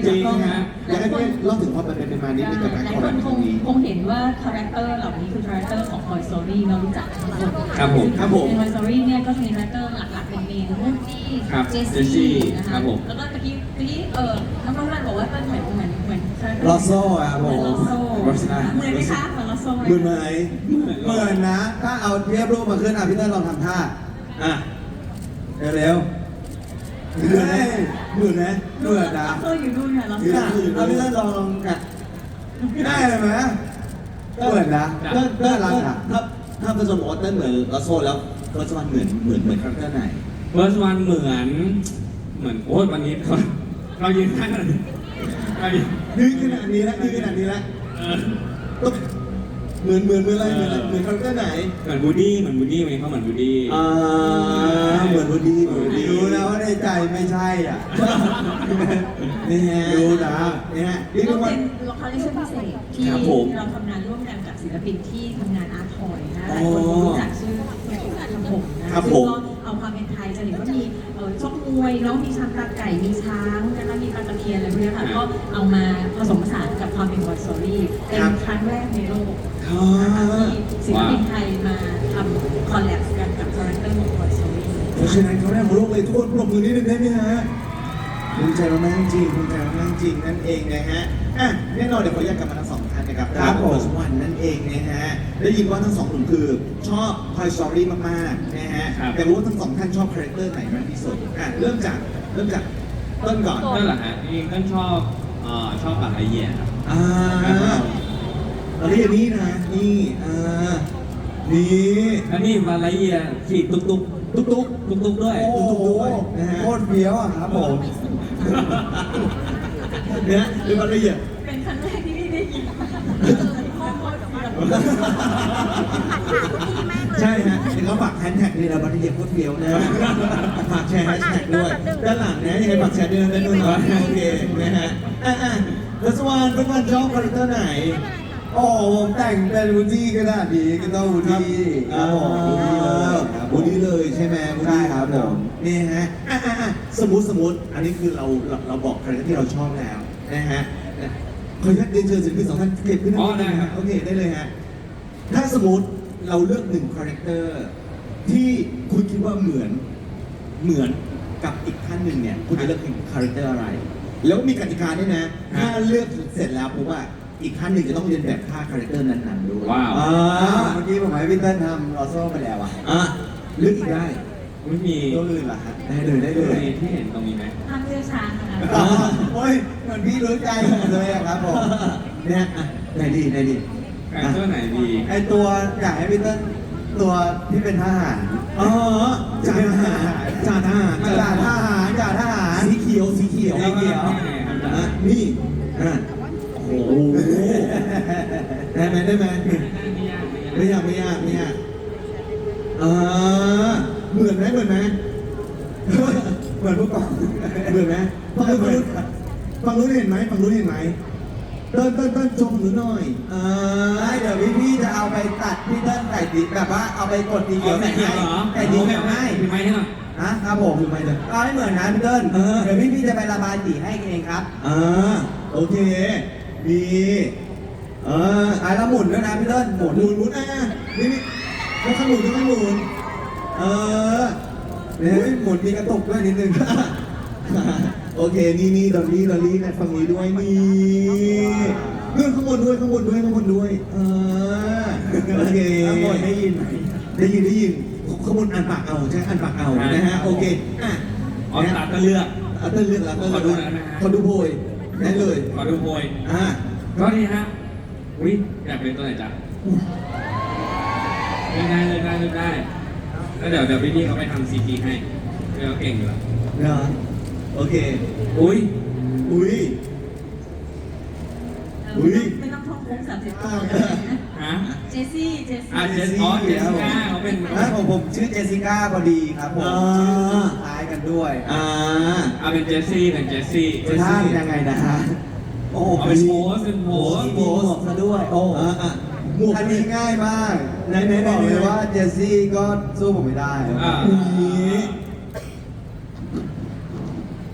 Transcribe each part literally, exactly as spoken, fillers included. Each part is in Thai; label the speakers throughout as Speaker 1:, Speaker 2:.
Speaker 1: จริงฮะอยากให้พี่เล่าถึงความเป็นมานิดนึงกับการ
Speaker 2: หลาย
Speaker 1: คอล
Speaker 2: ค
Speaker 1: แล
Speaker 2: น
Speaker 1: บ
Speaker 2: ค
Speaker 1: ครั้
Speaker 2: ง
Speaker 1: งนี้
Speaker 2: คงเห็นว่าคาแรคเตอร์เหล่านี้คือคาแรคเตอร์ของ Toy Story เรารู้จักทุกคน
Speaker 3: ครับผม
Speaker 1: ครับผม
Speaker 2: ใน Toy Story เนี่ยก็จะมีคาแรคเตอร์หลักๆเป็นเมนวูดดี้
Speaker 3: ครับ
Speaker 2: เจส
Speaker 3: เจสซี่
Speaker 2: ซี่นะ
Speaker 3: ครั
Speaker 2: คะ
Speaker 3: บผม
Speaker 2: แล้วก็ตะกี้ตะกี้เออน้องน้องรันบอกว่าเป็นเหมือนเหมือนเหมือนคาแรคเตอร์
Speaker 1: ลอโซ่ครับผม
Speaker 2: เหมือนลอโซ่
Speaker 1: ลอโซ่
Speaker 2: เหมือนไหมคะเหมือนลอโซ่ไหม
Speaker 1: เหมือนไหมเหมือนนะ ถ้าเอาเทียบรูปมาขึ้นอ่ะพี่เต้ลองทำท่าอ่ะเร็วๆเหมือนไหมเหมือนไหมเหมือนนะ
Speaker 2: ลอโซ่อยู่นู่นค่ะลอ
Speaker 1: คือ
Speaker 2: โซ่
Speaker 1: เอาพี่เต้ลองอ่ะได้เลยไหมเหมือนนะเต้นเต้นรักอ่ะถ้าถ้าเฟิร์สวันบอกว่าเต้นเหมือนลอโซ่แล้วเฟิร์สวันเหมือนเหมือนเหมือนคาแรคเตอร์ไหน
Speaker 3: เฟิร์สวันเหมือนเหมือนโอ้ยวันนี้เราเรายืนข้างกันเรายืน
Speaker 1: นี่ขนาดนี้แล้วนี่ขนาดนี้แล้ว
Speaker 3: เออ
Speaker 1: ต้องเหมือนเหมือนเหมือนอะไรเหมือนอะไรเหมือนคาแรคเตอร์ไหน
Speaker 3: เหมือนบูดดี้เหมือนบูดดี้ไหมเขาเหมือนบูดดี้
Speaker 1: อ่าเหมือนวันดีเหมือนวันดีรู้นะว่าในใจไม่ใช่อ่ะนี่ฮะรู้นะนี่ฮะนี่
Speaker 2: ก็
Speaker 1: คือว่า
Speaker 2: เป็นละครเรื่องพิเศษที่
Speaker 1: ครับผม
Speaker 2: เราทำงานร่วมกันกับศิลปินที่ทำงานอาร์ตทอยนะหลายคนคงรู้จักชื่อแม่อุ๋อาร์ตทำผมนะครับ ซึ่ง
Speaker 1: ผม
Speaker 2: ก็เอาความเป็นไทยจะเห็นว่ามีเอ่อชกมวยเนาะมีช้างตาไก่มีช้างนะคะมีปลาตะเพียนอะไรพวกเนี้ยค่ะก็เอามาผสมผสานกับความเป็นวอร์ซอรี่เป็นครั้งแรกในโลก
Speaker 1: อ๋อ
Speaker 2: นะคะที่ศิลปินไทยมาทำคอลแลบกันกับคาแรคเตอร์ของวอร์ซอรี่
Speaker 1: เพราะฉะนั้นเขาแรกของโลกเลยทุกคนปรบมือนิดนึงได้ไหมฮะภูมิใจมากๆจริงภูมิใจมากๆจริงนั่นเองนะฮะอ่ะแน่นอนเดี๋ยวขอแยกกันมาทั้งสองท่านนะครับครับผมสวันนั่นเองนะฮะได้ยินว่าทั้งสองกลุ่มคือชอบ Toy Story มากๆนะฮะแต่รู้ว่าทั้งสองท่านชอบคาแรคเตอร์ไหนมากที่สุดอ่ะเริ่มจากเริ่มจากต้นก่อน
Speaker 3: นั่นแหละฮะจริงๆต้นชอบเอ่อชอบบัตรไอเยียครับ
Speaker 1: อ่าเราเรียกนี่นะนี่อ่านี่
Speaker 3: แล้วนี่บัตรไอเยียขี่ตุ๊กตุ๊ก
Speaker 1: ตุ๊กตุ๊ก
Speaker 3: ตุ๊กตุ๊กด้วย
Speaker 1: โอ้โหนะฮะโคตรเฟี้ยวอ่ะครับผมเนี่ยดูรายละเอียด
Speaker 2: เป็นครั้งแรกที่พี่ได้ยินข้อมูลกับ
Speaker 1: ใช่ฮะเดี๋ยวเขาฝากแฮชแท็กนี่เราบัตรเย็บโคตรเฟี้ยวนะฝากแชร์แฮชแท็กด้วยด้านหลังนะยังไงฝากแชร์ด้วยนะด้านนู้นนะโอเคนะฮะอ่ะอ่ะรัสวานเป็นวันชอบคาแรคเตอร์ไหนโอ้ผมแต่งเป็นวูดดี้ก็ได้ดีก็ต้องวูดดี้ครับผมวูดดี้เลยใช่ไหมวูดดี้ครับผมนี่ฮะอ่ะอ่ะอ่ะสมมติสมมติอันนี้คือเราเราเราบอกคาแรคเตอร์ที่เราชอบแล้วนะฮะขออนุญาตเรียนเชิญศิลปินสองท่านเก็บขึ้นได้ไหมโอเคได้เลยฮะถ้าสมมติเราเลือกหนึ่งคาแรคเตอร์ที่คุณคิดว่าเหมือนเหมือนกับอีกท่านหนึ่งเนี่ยคุณจะเลือกเป็นคาแรคเตอร์อะไร แล้วมีกติกาด้วยนะถ้าเลือกเสร็จแล้วผมว่าอีกท่านหนึ่งจะต้องเรียนแบบท่าคาแรคเตอร์นั้นๆด้วย
Speaker 3: ว้าว
Speaker 1: อ่า
Speaker 4: เมื่อกี้ผมให้พี่เติ้ลทำลอโซ่ไปแล้วอ่ะ
Speaker 1: อ่ะเลือกอีกได้
Speaker 3: ไม่มี
Speaker 4: ตัวอื่นล่ะฮะ
Speaker 1: ได้เลยได้เลย
Speaker 3: มีที่เห็นตรงนี้ไหม
Speaker 2: ทางเรือช้างนะคะ
Speaker 1: อ่าโอ้ยเหมือนพี่รู้ใจผมเลยอะครับผมเนี่ยอ่ะไหนดีไหนดี
Speaker 3: คาแรคเตอร์ไหนดี
Speaker 4: ไอตัวอยากให้พี่เติ้ลตัวที่เป็นทหาร
Speaker 1: อ๋อจ่าทหารจ่าทหาร
Speaker 4: จ่าทหารจ่าทหาร
Speaker 1: สีเขียวสีเขียว
Speaker 4: สีเขียว
Speaker 1: อ่ะนี่อ่ะโอ้โหได้ไหมได้ไหมไม่ยากไม่ยากไม่ยากอ่าเหมือนไหมเหมือนไหมเหมือนพวกกองเหมือนไหมฟังรู้ฟังรู้เห็นไหมฟังรู้เห็นไหมเต้นเต้นเต้นชมหนูหน่อยอ่า
Speaker 4: ได้เดี๋ยวพี่พี่ๆจะเอาไปตัดพี่เติ้ลใส่สีแบบว่าเอาไปกดสีเขียวใส่ให้ใส่สีเขียวให้
Speaker 3: มีไหมให้หน่อย
Speaker 4: นะครับผม
Speaker 1: คือไม่เลย
Speaker 4: เอาให้เหมือนนะพี่เติ้ล
Speaker 1: เออ
Speaker 4: เดี๋ยวพี่พี่ๆจะไประบายสีให้เองครับ
Speaker 1: อ่าโอเคดีเออ
Speaker 4: อ่ะแล้วหมุนด้วยนะพี่เติ้ลหมุน
Speaker 1: หมุนหมุนอ่ะนี่นี่ค่อยๆหมุนค่อยๆหมุนเออ
Speaker 4: เนี่ยหมุนมีกระตุกด้วยนิดนึง
Speaker 1: โอเคนี่นี่ดอลลี่ดอลลี่นะฝั่งนี้ด้วยนี่เพื่อนข้างบนด้วยข้างบนด้วยข้างบนด้วยเออโอเค
Speaker 4: ข้างบนได้ยินไหม
Speaker 1: ได้ยินได้ยินข้างบนอ่านปากเอาใช่อ่านปากเอานะฮะโอเคอ่ะ
Speaker 3: อ๋อตัดก็เลือก
Speaker 1: เอาเต้นเลือกแล้วเต้น
Speaker 3: ขอดู
Speaker 1: เลื
Speaker 3: หน่อยได้ไหมฮะ
Speaker 1: ขอดูโพยได้เลย
Speaker 3: ขอดูโพย
Speaker 1: อ่ะ
Speaker 3: ก็ดีฮะอุ้ยอยากเป็นตัวไหนจ๊ะเลือกได้เลือกได้เลือกได้แล้วเดี๋ยวเดี๋ยวพี่ๆเขาไปทำซีจีให้เดี๋ยวเขาเก่งอยู่แล้ว
Speaker 1: เนาะโอเค
Speaker 3: อุ้ย
Speaker 1: อุ้ย อุ๊ย
Speaker 2: ไม่ต้องท่องโค้งสามสิบตัว
Speaker 3: ฮะ
Speaker 2: เจสซี่เจส
Speaker 3: อ่ะ
Speaker 2: ซี่
Speaker 3: เจสอ๋อเจสก้าเขาเป็น
Speaker 4: แล้วผมผมชื่อเจสสิก้าพอดีครับผม
Speaker 1: อ่า
Speaker 4: ชื่อคล้ายกันด้วย
Speaker 1: อ่า
Speaker 3: เอาเป็นเจสซี่เป็นเจสซี่
Speaker 4: จะท่ายังไงนะฮะ
Speaker 1: โอ้
Speaker 3: เอาเป็นโพสเป็นโพส
Speaker 4: มีหมวกซะด้วยโอ้
Speaker 1: อ่าอ่ะหมวก
Speaker 4: อันนี้ง่ายมาก
Speaker 1: ไหนไหนไหน
Speaker 4: บอกเลยว่าเจสซี่ก็สู้ผมไม่ได้
Speaker 3: อ่า
Speaker 1: นี้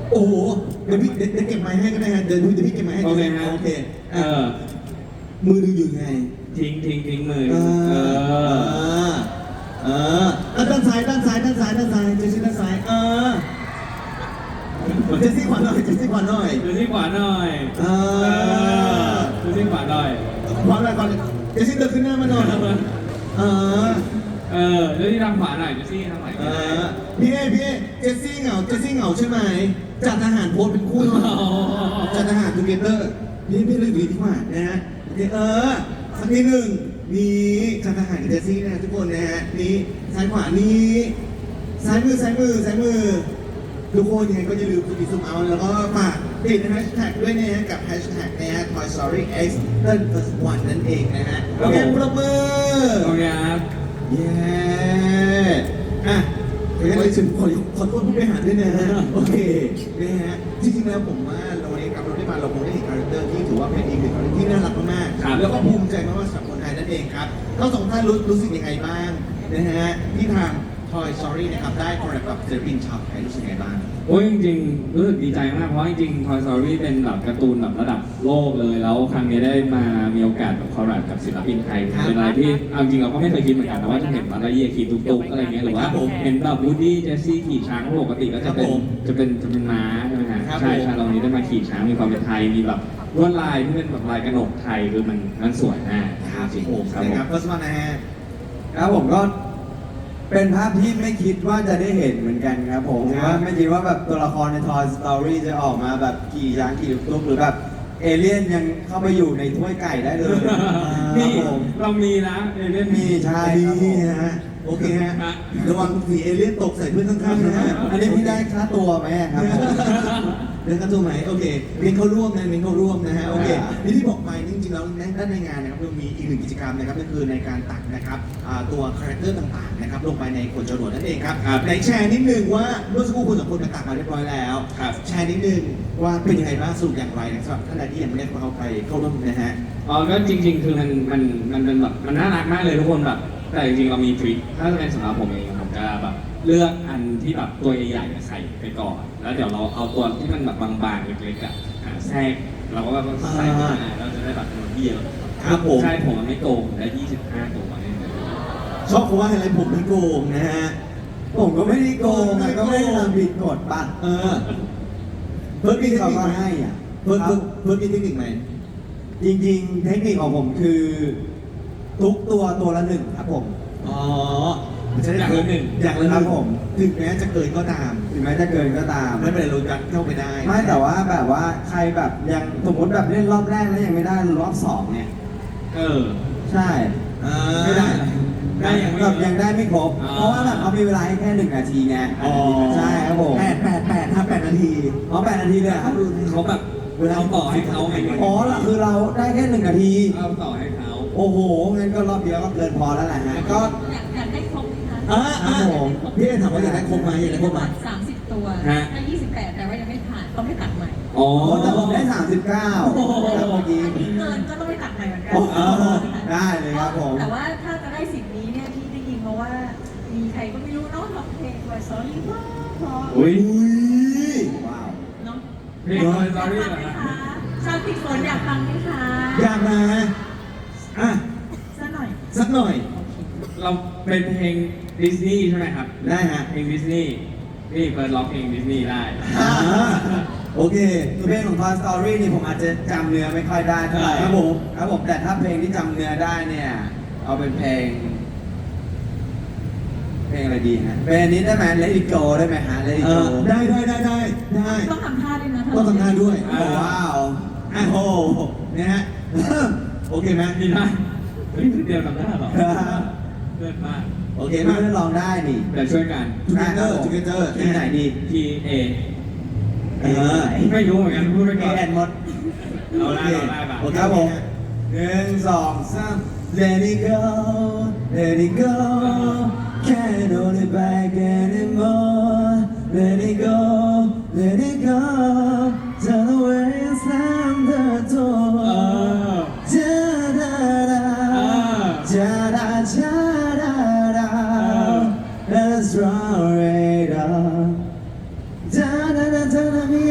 Speaker 1: โอ้โหเดี๋ยวพี่เดี๋ยวเดี๋ยวเก็บไม้ให้ก็ได้ฮะเดี๋ยวเดี๋ยวพี่เก็บไม้ให้
Speaker 3: โอเคฮะ
Speaker 1: โอเค
Speaker 3: เอ
Speaker 1: อ่ะ
Speaker 3: อ
Speaker 1: มือดูอยู่ไง
Speaker 3: ทิ้งทิ้งทิ้งมือ
Speaker 1: เอ
Speaker 3: เอ
Speaker 1: อ
Speaker 3: อ
Speaker 1: เออเออด้านซ้ายด้านซ้ายด้านซ้ายด้านซ้ายเจสซี่ด้านซ้ายเออเจสซี่ขวาหน่อยเจสซี่ขวาหน่อย
Speaker 3: ดูที่ขวาหน่อย
Speaker 1: เออ
Speaker 3: ดูที่ขวาหน่อย
Speaker 1: ขวาหน่อยขวาหน่อยเจสซี่เดินขึ้นหน้ามาหน่อยเออ
Speaker 3: เออดูที่ทางขวาหน่อยดูที่ทางไหน
Speaker 1: เออพี่เอพี่เอเจสซี่เหงาเจสซี่เหงาใช่ไหมจัดทหารโพสเป็นคู่หน่อยจัดทหารทูเกเตอร์พี่พี่เลือกดีที่ว่านะฮะโอเคเออสักนิดหนึ่งนี่จัดทหารกับเจสซี่นะฮะทุกคนนะฮะนี่ซ้ายขวานี่ซ้ายมือซ้ายมือซ้ายมือทุกคนยังไงก็อย่าลืมกดติดซุมเอาแล้วก็ฝากติดแฮชแท็กด้วยนะฮะกับแฮชแท็กนะฮะ Toy Story X เติ้ล plus one นั่นเองนะฮะโอเคปรบมือ
Speaker 3: โอเคครับ
Speaker 1: เย้อ่ะขออนุญาตถึงขอขอโทษผู้บริหารด้วยนะฮะ โอเคนะฮะ จริงๆแล้วผมว่าเราวันนี้กับเราได้มาเราคงได้เห็นคาแรคเตอร์ที่ถือว่าเป็นอีกหนึ่งคาแรคเตอร์ที่น่ารักมาก
Speaker 3: ครับ
Speaker 1: ๆแล้วก็ภูมิใจมากๆสำหรับคนไทยนั่นเองครับทั้งสองท่านรู้รู้สึกยังไงบ้างนะฮะที่ทาง Toy Story นะครับได้คอลแลบกับศิลปินชาวไทยรู้สึกยังไงบ้าง
Speaker 3: โอ้ยจริงๆรู้สึกดีใจมากเพราะจริงๆ Toy Story เป็นแบบการ์ตูนแบบระดับโลกเลย แล้วครั้งนี้ได้มามีโอกาสแบบคอลแลบกับศิลปินไทย
Speaker 1: ครับ
Speaker 3: เป็นอะไรที่เอาจริงเราก็ไม่เคยคิดเหมือนกันนะว่าจะเห็นมาลาเยียขี่ตุ๊กๆอะไรเงี้ยหรือว่า
Speaker 1: ครับผม
Speaker 3: เห็นแบบวูดดี้เจสซี่ขี่ช้างปกติก็จะเป็น
Speaker 1: ครับผม
Speaker 3: จะเป็นจะเป็นม้าใช่ไหมฮะ
Speaker 1: ครับ
Speaker 3: ใช่
Speaker 1: ผม
Speaker 3: ใช่เรานี้ได้มาขี่ช้างมีความเป็นไทยมีแบบลวดลายที่เป็นแบบลายกระหนกไทยคือมันมันสวยมาก
Speaker 1: ครับ
Speaker 3: จริง
Speaker 1: ผม
Speaker 3: ๆครับ
Speaker 1: นะ
Speaker 3: ผม
Speaker 1: ครับเฟิร์สวันนะฮะ
Speaker 4: ครับผมก็เป็นภาพที่ไม่คิดว่าจะได้เห็นเหมือนกันครับผม
Speaker 1: ครับ
Speaker 4: ว่าไม่คิดว่าแบบตัวละครใน Toy Story จะออกมาแบบขี่ช้างขี่ตุ๊กๆหรือแบบเอเลี่ยนยังเข้าไปอยู่ในถ้วยไก่ได้เลยค
Speaker 3: นี่
Speaker 4: รับผม
Speaker 3: เรามีนะเอเลี่ยน
Speaker 4: มีใช่ครับผม
Speaker 1: นี่ฮะโอเคฮะระวังสีเอเลี่ยนตกใส่เพื่อนข้างๆนะฮะ
Speaker 4: อันนี้พี่ได้ค่าตัวไหมครับผม
Speaker 1: เดินกันตัวไหมโอเคเน้นเข้าร่วมนะเน้นเข้าร่วมนะฮะโอเค
Speaker 4: อ่า
Speaker 1: นี่ที่บอกไปนี่จริงๆแล้วในด้านในงานนะครับเรามีอีกหนึ่งกิจกรรมนะครับนั่นคือในการตัดนะครับอ่าตัวคาแรคเตอร์ต่างๆนะครับลงไปในขนจรวดนั่นเองครับในแชร์นิดนึงว่าเมื่อสักครู่คุณสองคนไปตัดมาเรียบร้อยแล้ว
Speaker 3: ครับ
Speaker 1: แชร์นิดนึงว่าเป็นยังไงบ้างสรุปอย่างไรนะครับสำหรับท่านใดที่ยังไม่ได้เข้าไปเข้าร่วมนะฮะ
Speaker 3: อ๋อก็จริงๆ คือมันมันมันเป็นแบบมันน่ารักมากเลยทุกคนแบบแต่จริงๆ เรามีทริคถ้าจะเป็นสำหรับผมเองผมจะแบบเลือกอันที่แบบตัวใหญ่ๆใส่ไปก่อน แล้วเดี๋ยวเราเอาตัวที่มันแบบบางๆเล็กๆอะอ่ะแทรกเราก็แบบใส่ไปอ่ะเราจะได้แบบมันเยอะ
Speaker 1: ครับผม
Speaker 3: ใช่ผมมันไม่โกงได้ยี่สิบห้าตัวเนี่ย
Speaker 1: ชอบเพราะว่าอะไรผมไม่โกงนะฮะ
Speaker 4: ผมก็ไม่ได้โกงอะก็ไม่ได้ทำผิดกฎป่ะ
Speaker 1: เออเพิ่มมีเทค
Speaker 4: เขา
Speaker 1: นิค
Speaker 4: ก็
Speaker 1: ไหม
Speaker 4: ให้อ่ะ
Speaker 1: เพิ่ม
Speaker 4: ครั
Speaker 1: เพิ่
Speaker 4: บ
Speaker 1: มเพิ่มมีเทคนิคไหม
Speaker 4: จริงๆ เทคนิคของผมคือ ทุกตัวตัวละหนึ่งครับผม
Speaker 1: อ๋อมันจะได้
Speaker 3: อย่างละหนึ่ง
Speaker 1: อย่างละห
Speaker 4: ครั
Speaker 1: นึ่
Speaker 4: บ
Speaker 1: ง
Speaker 4: ผม
Speaker 1: ถึงแม้จะเกินก็ตาม
Speaker 4: ถึงแม้จะเกินก็ตาม
Speaker 1: ไม่เป็นไรเรายัดเข้าไปได้
Speaker 4: ไม่แต่ว่าแบบว่าใครแบบยังสมมติแบบเล่นรอบแรกแล้วยังไม่ได้รอบสองเนี่ย
Speaker 3: เออ
Speaker 4: ใช่
Speaker 1: อ่า
Speaker 4: ไม่ได้
Speaker 3: ได้ยังไม่
Speaker 4: แบบยังได้ไม่ครบ
Speaker 3: อ๋อ
Speaker 4: เพราะว่าแบบเขามีเวลาให้แค่หนึ่งนาทีไง
Speaker 1: อ๋อ
Speaker 4: ใช่ครับผม
Speaker 1: แปดแปดแปดถ้าแปดนาที
Speaker 4: อ๋อแปดนาทีเลยเหรอครับ
Speaker 3: เขาแบบเวลาต่อให้เขาไง
Speaker 4: อ๋อละคือเราได้แค่หนึ่งนาที
Speaker 3: เอาต่อให้เขา
Speaker 4: โอ้โหงั้นก็รอบเดียวก็เกินพอแล้วแหละฮะก็
Speaker 2: อยากอยากได้ครบไหมคะ
Speaker 1: อ่าอ่าพี่เอถามว่าอยากได้ครบไหมอยากได้ครบไหม
Speaker 2: สามสิบตัวถ้ายี่สิบแปดแต่ว่ายังไม่ผ่านต้องไม่ตัดใหม่
Speaker 3: อ๋อ
Speaker 4: โอ้แต่ผมได้สามสิบเก้าแล้วเมื่อกี้
Speaker 2: อันนี้เกินก็ต้องไม่ตัดใหม่เหมือนกั
Speaker 4: อ๋อได้เลยครับผม
Speaker 2: แต่ว่าถ้าจะได้สิ่งนี้เนี่ยที่ได้ยินมาว่า มีใครก็ไม่รู้เนาะร้องเพลงไวซอรี่ว่าเพราะ
Speaker 3: อุ้ย
Speaker 4: ว้าว
Speaker 2: เนาะ
Speaker 3: เพลง Toy Story เหรอ
Speaker 2: อยาก
Speaker 3: ฮะ
Speaker 2: ฟังไหมคะชาวติดฝนอยากฟังไหมคะ
Speaker 1: อยากมาอ่ะ
Speaker 2: สักหน่อย
Speaker 1: สักหน่อย
Speaker 3: เราเป็นเพลงดิสนีย์ใช่ไหมครับ
Speaker 1: ได้ฮะ
Speaker 3: เพลงดิสนีย์นี่เปิดร้องเพลงดิสนีย์ได้
Speaker 1: อ่าโอเค
Speaker 4: คือเพลงของ Toy Story นี่ผมอาจจะจำเนื้อไม่ค่อยได้เท่าไหร่
Speaker 1: ครับผม
Speaker 4: ครับผมแต่ถ้าเพลงที่จำเนื้อได้เนี่ย เอาเป็นเพลง เพลงอะไรดีฮะเพลงอันนี้ได้ไหม Let It Go ได้ไหมฮะ Let It
Speaker 1: เอ
Speaker 4: Go
Speaker 1: อได้ได้ได้ได้ได้
Speaker 2: ต้องทำท่าด้วยนะ
Speaker 1: ต้องทำท่าด้วย
Speaker 4: โอ้ว้าว
Speaker 1: อ่ะโอ้โหนะฮะ โอเคไหม
Speaker 3: นี่ได้เฮ้ยเดียวทำได้เหรอเลิศมาก
Speaker 1: โอเค
Speaker 4: เกม
Speaker 1: มา
Speaker 4: ไม่ได้ลองได้นี่
Speaker 3: เดี๋ยวช่วยกัน
Speaker 1: together together
Speaker 4: ที่ไหนดี
Speaker 3: T A
Speaker 1: เออ
Speaker 3: ไม่รู้เหมือนกันพูดไป
Speaker 4: เอ
Speaker 3: ก่อน
Speaker 4: แอนหมด
Speaker 3: เอาได้เอาได้ป่ะ
Speaker 1: โอเค
Speaker 4: ครับผมหนึ่งสองสาม Let it go Let it go Can't hold it back anymore Let it go Let it go Turn away and slam the
Speaker 3: เอ
Speaker 4: door
Speaker 3: อ
Speaker 4: Da-da-da Da-da-da-da-da Let's roll it up Da-da-da-da-da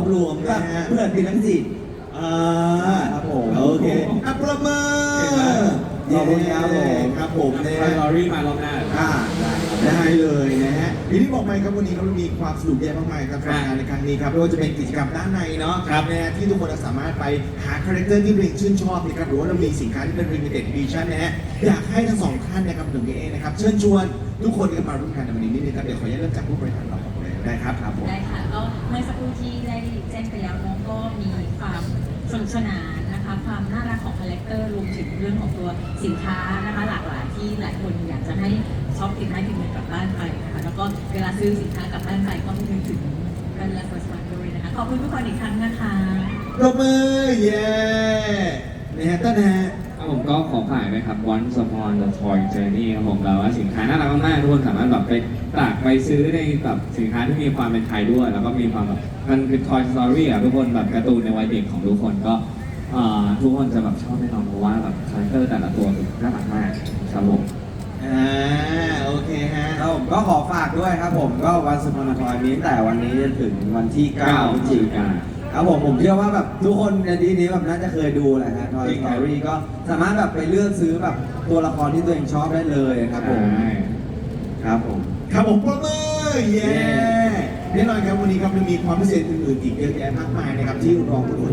Speaker 1: รวมนะฮะ
Speaker 4: เพื่อนพี่ทั้งสี่
Speaker 1: อ่า
Speaker 4: ครับผม
Speaker 1: โอเคอ่ะประเมิน
Speaker 4: ขอบคุณครับผม
Speaker 1: ครับผมนะ
Speaker 3: คอ
Speaker 1: ฮะ
Speaker 3: ยลอรี่มารอบหน้า
Speaker 1: อ่าได้เลยนะฮะอย่างที่บอกไปครับวันนี้เรามีความสนุกเยอะมากมายกับงานในครั้งนี้ครับไม่ว่าจะเป็นกิจกรรมด้านในเนาะ
Speaker 3: ครับ
Speaker 1: นะฮะที่ทุกคนสามารถไปหาคาแรคเตอร์ที่ตัวเองชื่นชอบนะครับหรือว่าเรามีสินค้าที่เป็น limited edition นะฮะอยากให้ทั้งสองท่านนะครับถึงเองนะครับเชิญชวนทุกคนกันมาร่วมงานในวันนี้นิดนึงครับเดี๋ยวขออนุญาตเริ่มจากผู้บริหารเราก่อนเลยได้ครับครับผม
Speaker 2: ได้ค่ะก็เมื่อสักครู่ที่ได้แจ้งไปแล้วน้องก็มีความสนุกสนานนะคะความน่ารักของคาแรคเตอร์รวมถึงเรื่องของตัวสินค้านะคะหลากหลายที่หลายคนอยากจะให้ช็อปติดไม้ติดมือกลับบ้านไปนะคะแล้วก็เวลาซื้อสินค้ากลับบ้านไปก็นึกถึงกันและ First One ด้วยนะคะขอบคุณทุกคนอีกครั้งนะคะ
Speaker 1: ปรบมือเย้นะฮะต้นนะฮะ
Speaker 3: ครับผมก็ขอฝากนะครับ Once Upon the Toy Journey ครับผมเราว่าสินค้าน่ารักมากๆทุกคนสามารถแบบไปตากไปซื้อในแบบสินค้าที่มีความเป็นไทยด้วย แล้วก็มีความแบบมันคือ Toy Story อ่ะทุกคนแบบการ์ตูนในวัยเด็กของทุกคนก็เอ่อทุกคนจะแบบชอบแน่นอนเพราะว่าแบบคาแรคเตอร์แต่ละตัวคือน่ารักมากครับผม
Speaker 1: อ่าโอเคฮะ
Speaker 4: ครับผมก็ขอฝากด้วยครับผมก็วันสุพรรณทอยมีตั้งแต่วันนี้จนถึงวันที่เก้าพฤศจิกายนครับผมผมเชื่อว่าแบบทุกคนในที่นี้แบบน่าจะเคยดูแหละฮะ Toy
Speaker 3: จริงครับ
Speaker 4: Story ก็สามารถแบบไปเลือกซื้อแบบตัวละครที่ตัวเองชอบได้เลยครับผม
Speaker 3: ใช่
Speaker 4: ครับผม
Speaker 1: ครับผมปรบมือเย้แน่นอนครับวันนี้ครับยังมีความพิเศษอื่นๆอีกเยอะแยะมากมายนะครับที่รอทุกคน